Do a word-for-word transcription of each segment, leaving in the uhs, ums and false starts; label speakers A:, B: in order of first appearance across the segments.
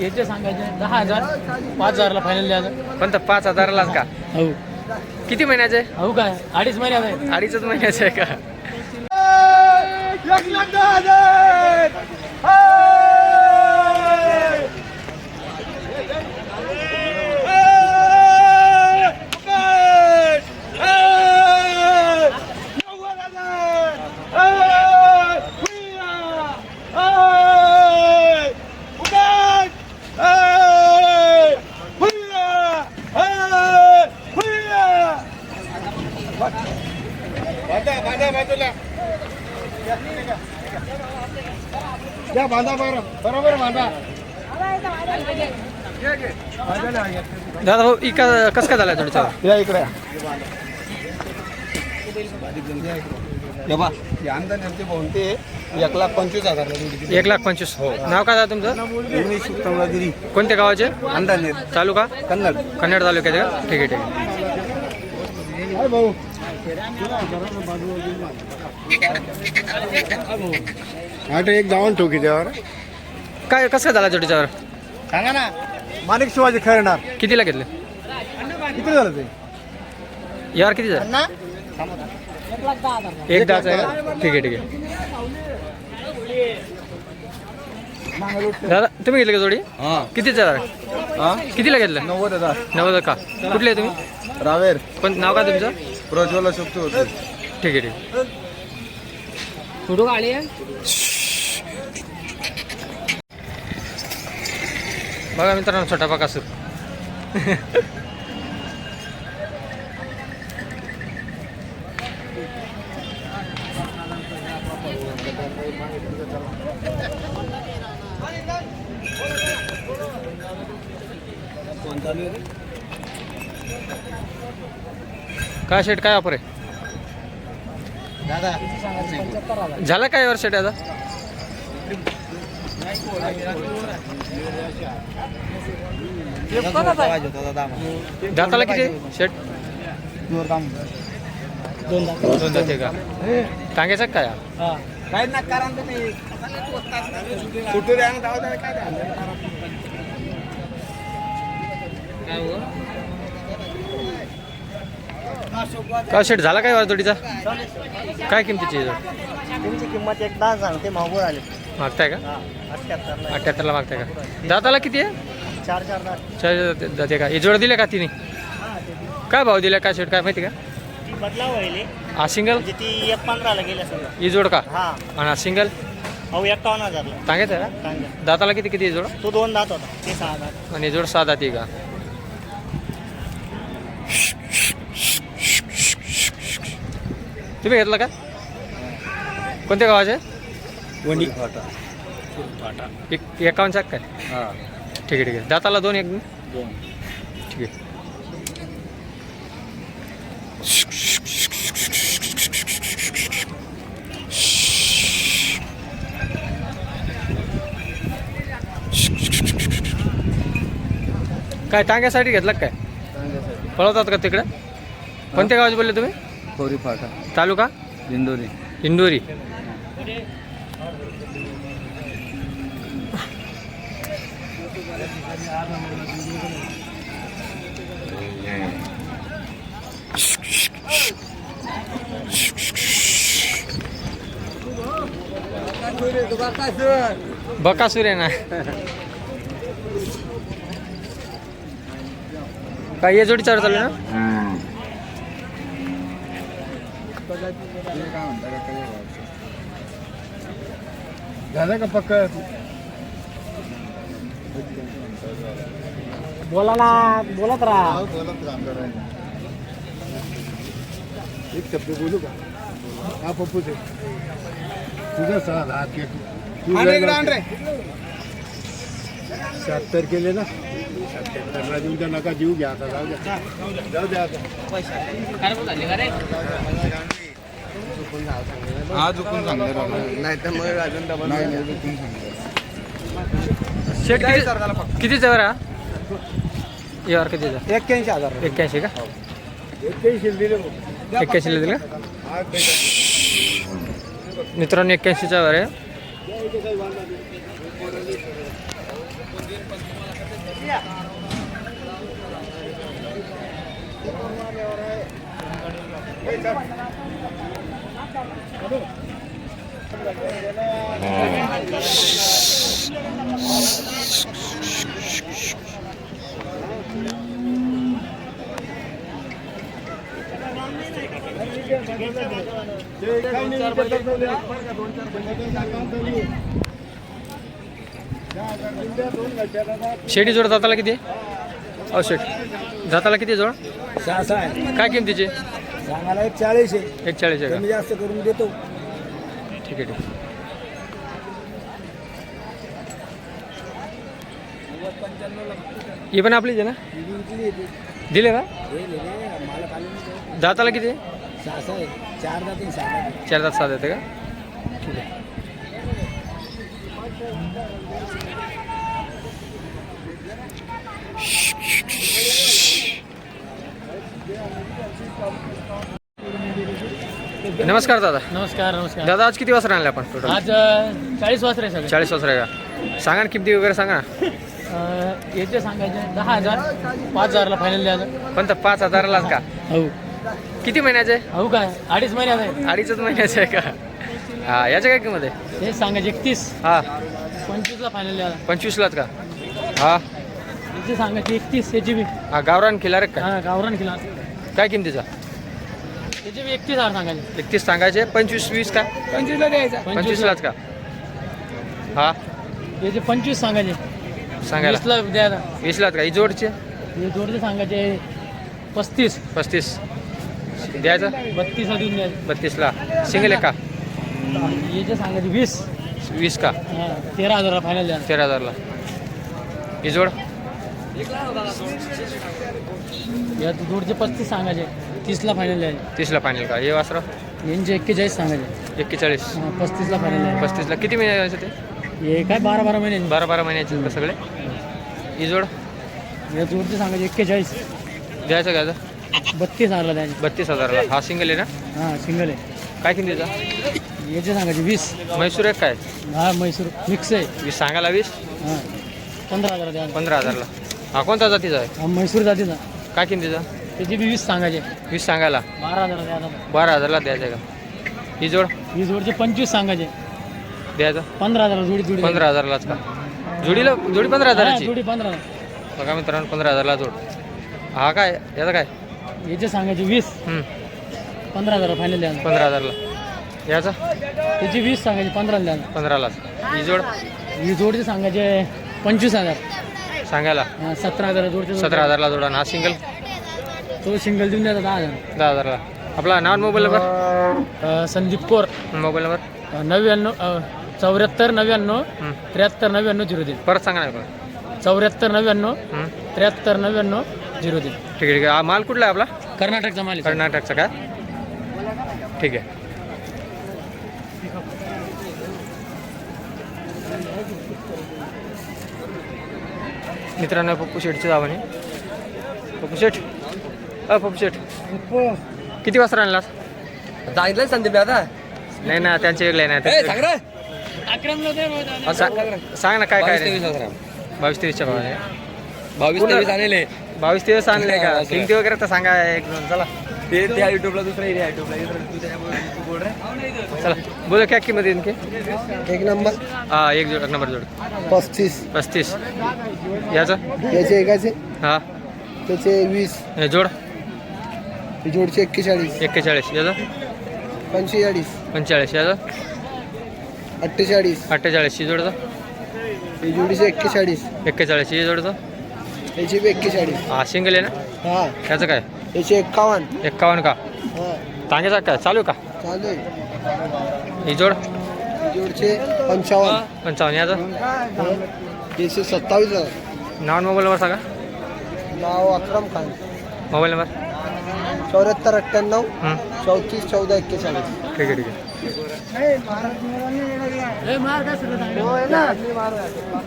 A: याचे सांगायचे दहा हजार पाच हजारला फायनल द्यायचं.
B: कोणतं पाच हजारालाच का?
A: हो.
B: किती महिन्याचे आहे?
A: हो काय अडीच महिन्यात आहे.
B: अडीचच महिन्याचे आहे का?
C: एक लाख दहा हजार. या बांधा बरं बरोबर बांधा.
B: दादा भाऊ इका कसं काय झालं थोडीचा?
C: या इकडे बा आमदार नेमके बोलते एक लाख पंचवीस हजार.
B: एक लाख पंचवीस. हो. नाव काय दादा तुमचं?
C: उमेश कमलागिरी
B: कोणत्या गावाचे?
C: अंधानेर
B: तालुका
C: कन्नड.
B: कन्नड तालुक्याचे का? ठीक आहे ठीक आहे.
C: भाऊ आठ एक जाऊन ठोकी त्यावर
B: काय कसं काय झालं जोडीच्यावर?
C: सांगा ना. माणिक शिवाजी खरणार
B: कितीला घेतले?
C: किती झालं ते?
B: यावर किती झालं? एक दहाच आहे का? ठीक आहे ठीक आहे. दादा तुम्ही घेतले का जोडी? कितीचा आहे? कितीला घेतलं?
C: नव्वद हजार.
B: नव्वद का? कुठले आहे तुम्ही?
C: रावेर.
B: पण नाव का तुमचं?
C: प्रज्वला शकतो होते.
B: ठीक आहे ठीक आहे.
A: फोटो काढले.
B: बघा मित्रांनो छोटा बकासूर. काय शेट काय ऑफर आहे? झाला काय वर शेट आता? दाताला किती शेट?
A: दोन
B: दोन जाते का? टांग्याचं काय?
C: काय ना कारण तुम्ही कुठे द्या ना काय द्या.
B: का शेट झाला काय वर जोडीचा? काय किमतीची आहे?
A: तुमची किंमत एक दहा सांगते मागून आले.
B: मागताय का?
A: अठ्ठ्याहत्तर
B: अठ्ठ्याहत्तरला मागताय का? दाताला किती आहे?
A: चार चार दहा
B: चार जाते का? हे जोड दिले का तिने? काय भाव दिला काय शेट काय माहिती का?
A: ती बदलाव व्हायली
B: हा सिंगल?
A: म्हणजे ती एक पंधराला गेल्या सगळं.
B: ही जोड का?
A: हा
B: आणि हा सिंगल?
A: अहो एक्कावन्न हजारला
B: सांगायचं आहे का?
A: सांगा.
B: दाताला किती किती जोड?
A: तो दोन दात होता ते सहा दात.
B: आणि जोड सहा दाती का? तुम्ही घेतला का? कोणत्या गावाचे?
C: वणी
B: एक एकावन्न चाक काय? ठीक आहे ठीक आहे. दाताला दोन एक ठीक आहे. काय टांग्यासाठी घेतला काय? पळवतात का तिकडे? कोणत्या गावाचे बोलले तुम्ही?
C: खोरी फाटा
B: तालुका?
C: दिंडोरी.
B: इंदोरी. बकासूर आहे ना. काय या जोडी चार चालू ना?
C: झालं का पक्क?
A: बोला ना बोलत राहा.
C: एक शब्द बोलू का? हा पप्पू ते तुझं सहा हात घे. शहात्तर केले ना? शहात्तरला देऊन त्या नका जीव घ्या आता. जाऊ द्या जाऊ द्या आता. आज चुकून सांगणार नाही तर मग अजून डबल नाही चुकून सांगणार.
B: शेट किती कितीचा बरं हा? यावर कितीचा?
C: एक्क्याऐंशी हजार
B: एक्क्याऐंशी का?
C: एक्क्याऐंशी दिले
B: एक्क्याऐंशीला दिलं का? मित्रांनो एक्क्याऐंशीचा वर आहे. शेडी जोड जाताला किती अहो शेट जाताला किती जोड
C: सहा सहा आहे
B: काय किमतीचे
C: सांगायला एक चाळीस आहे
B: एक चाळीस आहे
C: कमी जास्त करून देतो
B: का ठीक आहे ठीक आहे. ही पण आपलीच आहे ना दिले का दाताला किती
C: सहा सहा आहे चार जाती सहा
B: चार दात सात येते का ठीक आहे. नमस्कार दादा
A: नमस्कार नमस्कार
B: दादा आज किती वाजता आणले आपण टोटल
A: आज अं, चाळीस वाजता आहे सगळे
B: चाळीस वाजता आहे का सांगा ना किमती वगैरे सांगा ना
A: अं, याचे सांगायचे दहा हजार पाच हजारला फायनल द्यायचं.
B: पण तर पाच हजारालाच का
A: हो
B: किती महिन्याचे
A: हो काय अडीच महिन्यात आहे.
B: अडीचच महिन्याचे आहे का हा याच्या काय किंमत आहे
A: हे सांगायचे एकतीस
B: हा
A: पंचवीसला फायनल द्यायला.
B: पंचवीसलाच का हा
A: याचे सांगायचे एकतीस याची बी
B: हा गावरान खिलार का
A: हा गावरान किला
B: काय किमतीचा
A: याचे बी एकतीस हजार सांगायचे.
B: एकतीस सांगायचे पंचवीस वीस का
A: पंचवीसला द्यायचा
B: पंचवीसलाच का हा
A: याचे पंचवीस सांगायचे
B: सांगायला
A: वीसला द्यायला.
B: वीसलाच का ही जोडचे
A: हे जोडचे सांगायचे पस्तीस
B: पस्तीस द्यायचं
A: बत्तीसला देऊन द्यायचे.
B: बत्तीसला सिंगल आहे का
A: याचे सांगायचे वीस
B: वीस का
A: हा तेरा हजारला फायनल द्यायला.
B: तेरा हजारला ही जोड
A: या जोडचे पस्तीस सांगायचे तीसला फायनल द्यायचे.
B: तीसला फायनल का हे वासरं
A: यांचे एक्केचाळीस सांगायचे
B: एक्केचाळीस
A: हा, पस्तीसला फायनल द्यायचे.
B: पस्तीसला किती महिन्याचे ते
A: हे काय बारा बारा महिने
B: बारा बारा महिन्याचे आहेत का सगळे ही जोड
A: या जोडचे सांगायचे एक्केचाळीस
B: द्यायचं घ्यायचं
A: बत्तीस हजारला द्यायचे.
B: बत्तीस हजारला हा सिंगल आहे ना
A: हां सिंगल आहे.
B: काय किमतीचा
A: याचे सांगायचे वीस
B: म्हैसूर आहे काय
A: हा म्हैसूर मिक्स आहे.
B: वीस सांगायला वीस
A: हां पंधरा हजार द्या.
B: पंधरा हजारला हा कोणता जातीचा आहे
A: हा म्हैसूर जातीचा
B: काय किमतीचा
A: त्याची बी वीस सांगायचे
B: वीस सांगायला
A: बारा हजार द्यायला.
B: बारा हजारला द्यायचं आहे का ही जोड
A: ही जोडचे पंचवीस सांगायचे
B: द्यायचं
A: पंधरा हजार जोडी जोडी
B: पंधरा हजारलाच का जोडीला जोडी पंधरा
A: हा,
B: हजाराची
A: जोडी पंधरा
B: बघा मित्रांनो पंधरा हजारला जोड हा काय याचा काय
A: याचे सांगायचे वीस
B: हम्म,
A: पंधरा हजार फायनल द्या.
B: पंधरा हजारला याचा
A: त्याची वीस सांगायचे पंधराला द्या.
B: पंधरालाच ही जोड
A: ही जोडचे सांगायचे पंचवीस हजार
B: सांगायला
A: हा, सतरा हजार जोडचे
B: सतरा हजारला जोडा आणि हा सिंगल
A: तो सिंगल देऊन द्यायचा दहा हजार.
B: दहा हजारला आपला नाव मोबाईल नंबर
A: अ, संदीप कोर
B: मोबाईल नंबर
A: अ, नव्याण्णव अ, चौऱ्याहत्तर नव्याण्णव
B: हम्म,
A: त्र्याहत्तर नव्याण्णव झिरो तीन
B: परत सांगा ना मला.
A: चौऱ्याहत्तर नव्याण्णव
B: हम्म,
A: त्र्याहत्तर नव्याण्णव झिरो तीन
B: ठीक आहे ठीक आहे हा माल कुठला आहे आपला
A: कर्नाटकचा माल आहे.
B: कर्नाटकचा काय ठीक आहे मित्रांनो पप्पू शेठची जावं आहे पप्पू शेठ अ पप्पू शेठ किती वाजता आणलास
D: सांगितलं संदीप आता
B: नाही ना त्यांचे वेगळे नाही त्यांचे
D: सांग रे
A: अकरामला दे रोज.
B: वेगळे. सा- सांग ना काय काय रे बावीस तेवीसच्या भावाने
D: बावीस तेवीस आणले
B: बावीस तेवीस आणले का किमती वगैरे तर सांगा एक दोन चला
D: ते त्या युट्यूबला दुसरा एरिया युट्यूबला तू त्याच्यामुळे तू बोल रे
B: चला बोला क्या किंमत आहे इनकी
C: एक नंबर
B: हा एक जोड एक नंबर जोड
C: पस्तीस
B: पस्तीस याचं
C: याचे एकाचे
B: हा
C: त्याचे वीस
B: हे जोड
C: जोडचे एक्केचाळीस
B: एक्केचाळीस याचं
C: पंचेचाळीस
B: पंचेचाळीस याचं
C: अठ्ठेचाळीस
B: अठ्ठेचाळीस ही जोडचं
C: ही जोडीचे एक्केचाळीस
B: एक्केचाळीस ही जोडचं
C: याचे बी एक्केचाळीस
B: हा सिंगल आहे ना
C: हा
B: याचं काय
C: याचे एक्कावन्न
B: एक्कावन्न का
C: हा
B: टांग्याचा काय चालू का
C: चालू आहे
B: ही जोड
C: जोडचे पंचावन्न
B: पंचावन्न याचं
C: हा. याचे सत्तावीस हजार
B: नाव आणि मोबाईल नंबर सांगा
C: नाव अक्रम खान
B: मोबाईल नंबर
C: चौऱ्याहत्तर अठ्ठ्याण्णव
B: हं,
C: चौतीस चौदा एक्केचाळीस
B: ठीक आहे ठीक आहे
A: ए, मार काय सुरू सांगा.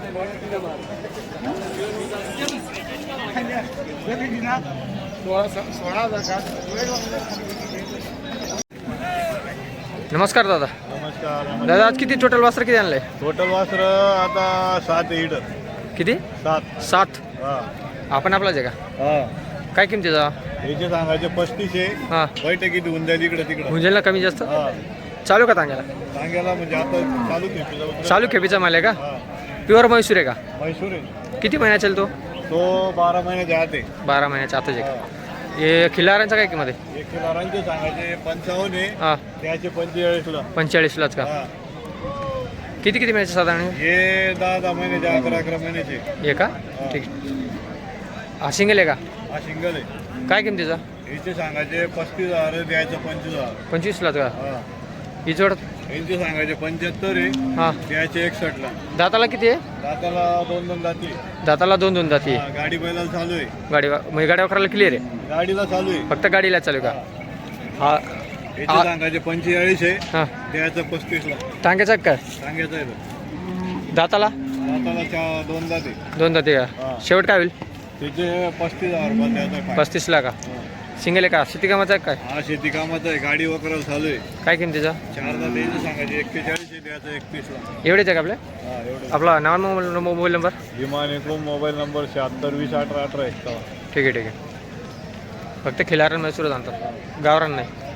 B: नमस्कार दादा
C: नमस्कार
B: दादा आज किती टोटल वासर किती आणलंय
C: टोटल वासर आता सात ईड
B: किती
C: सात
B: सात
C: हा
B: आपण आपलाच आहे का
C: हा
B: काय किमतीचा
C: याचे सांगायचे पस्तीस आहे
B: हां
C: बैठकीत होऊन जाईल इकडे तिकडे
B: होऊन जाईल ना कमी जास्त
C: हा
B: चालू का तांग्याला
C: सांगायला म्हणजे आता चालू खेळ
B: चालू खेपीचा माल आहे का
C: हा
B: प्युअर म्हैसूर आहे का
C: म्हैसूर आहे
B: किती महिन्यात चालतो
C: तो बारा महिन्याच्या आत आहे
B: बारा महिन्याच्या आताच आहे हे खिलारांचा काय किंमत आहे
C: एक किलोरांचे सांगायचे पंचावन्न आहे
B: हां
C: त्याचे पंचेचाळीसला
B: पंचेचाळीसलाच का
C: हा
B: किती किती महिन्याचे साधारण
C: हे दहा दहा महिन्याचे अकरा अकरा महिन्याचे
B: हे का ठीक हा सिंगल आहे का
C: हा सिंगल आहे
B: काय किमतीचा
C: याचे सांगायचे पस्तीस हजार द्यायचं पंचवीस हजार
B: पंचवीसलाच का
C: हा
B: ही जोड
C: यांचे सांगायचे पंच्याहत्तर आहे
B: हां
C: द्यायचे एकसष्टला
B: दाताला किती आहे
C: दाताला दोन दोन दाती
B: दाताला दोन दोन दाती
C: हा, गाडी बैलाला चालू आहे
B: गाडी म्हणजे गाडी वापरायला क्लिअर आहे
C: गाडीला चालू आहे
B: फक्त गाडीला चालू का हा
C: याचे
B: हा.
C: सांगायचे पंचेचाळीस आहे
B: हां
C: द्यायचं पस्तीसला
B: टांग्याचा काय
C: सांगायचं आहे तो.
B: दाताला
C: दाताला चा दोन दाते
B: दोन दाती का
C: हा.
B: शेवट काय होईल
C: त्याचे पस्तीस हजार रुपये द्यायचं आहे.
B: पस्तीसला का
C: हा.
B: सिंगल आहे का शेती कामाचा आहे काय
C: हा शेती कामाचं आहे गाडी वगैरे चालू आहे
B: काय किमतीचा
C: चार दाते याचे सांगायचे एक्केचाळीस आहे द्यायचं एकतीसला
B: एवढेच आहे का आपल्या
C: हा एवढं
B: आपला नाव मोबाईल मोबाईल नंबर
C: विमान एकूण मोबाईल नंबर शहात्तर वीस अठरा अठरा एक्कावन्न
B: ठीक आहे ठीक आहे फक्त खिलारण मैसूरच आणतात गावरान नाही